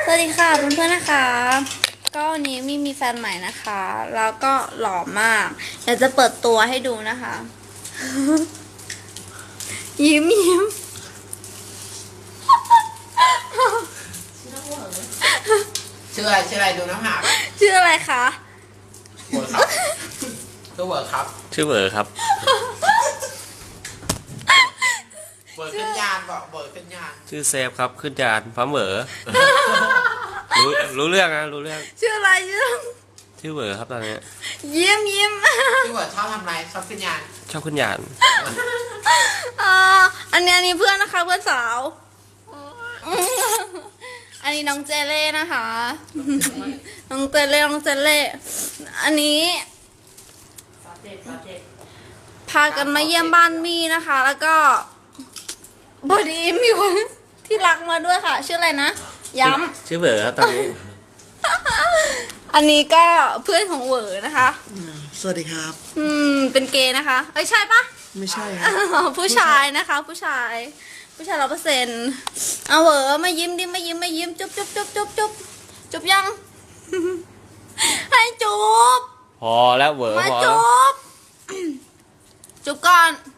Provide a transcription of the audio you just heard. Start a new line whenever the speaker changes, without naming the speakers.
สวัสดีค่ะเพื่อนๆนะคะก็วันนี้มีแฟนใหม่นะคะแล้วก็หล่อมากอยากจะเปิดตัวให้ดูนะคะ ยิ้ม
ชื่ออะไรดูน้ำหาก
ชื่ออะไรคะ
เวิร์ครับชื่อเวิร์ครับ
ชื่อเบอร์ครับ
เวิร์ขึ้นยานบอกเวิร์ขึ้นยาน
ชื่อเซฟครับขึ้นจานพร้อมเบอร์รู้เรื่องนะรู้เรื่อง
ชื่ออะไร
ชื่อเบอร์ครับตอนนี้
ยิ้ม
ชื่อเวิร์ชอบทำอะไรชอบขึ้นยาน
ชอบขึ้นยาน
อันนี้เพื่อนนะคะเพื่อนสาวอันนี้น้องเจเล่นะคะน้องเจเล่อันนี้พากันมาเยี่ยมบ้านมี่นะคะ แล้วก็บอดีมีคนที่รักมาด้วยค่ะ ชื่ออะไรนะย้ำ
ชื่อเบอร์ครับตอนนี้
อันนี้ก็เพื่อนของเหวอนะคะ
สวัสดีครับ
เป็นเกย์นะคะเอ้ยใช่ปะ
ไม่ใช่ครับ
ผู้ชายนะคะ ผู้ชาย100%เอาเหวอมายิ้มดิมายิ้มจุ๊บจุ๊บยัง ให้จุ๊บ
พอแล้วเบอร์
มา
พอ
จุ๊บจุ๊บก่อน